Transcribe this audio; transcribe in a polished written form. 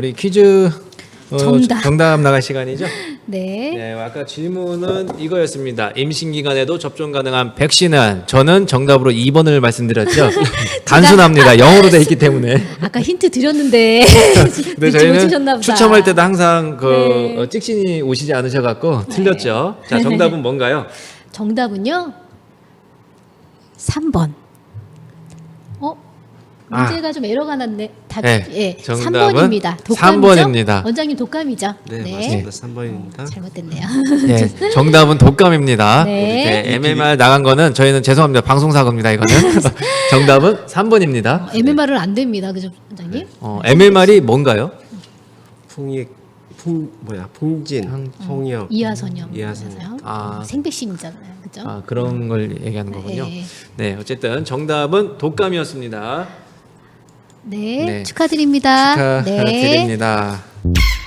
우리 퀴즈 정답. 나갈 시간이죠? 네. 네, 아까 질문은 이거였습니다. 임신 기간에도 접종 가능한 백신은 저는 정답으로 2번을 말씀드렸죠. 단순합니다. 영어로 돼 있기 때문에. 아까 힌트 드렸는데 근데 늦지 저희는 못하셨나 보다. 추첨할 때도 항상 네. 찍신이 오시지 않으셔갖고 틀렸죠. 자, 정답은 뭔가요? 정답은요. 3번. 문제가 좀 에러가 났네. 네, 예, 정답은 3번입니다. 3번입니다. 원장님 독감이죠? 네, 맞습니다. 3번입니다. 잘못됐네요. 네, 정답은 독감입니다. 네. 이렇게 MMR 나간 거는 저희는 죄송합니다. 방송사고입니다. 이거는. 정답은 3번입니다. MMR은 안 됩니다. 그죠, 원장님? MMR이 뭔가요? 풍진, 홍역, 이하선염. 이하선염. 생백신이잖아요. 그죠? 그런 걸 얘기하는 거군요. 네. 네, 어쨌든 정답은 독감이었습니다. 네, 네. 축하드립니다. 축하드립니다.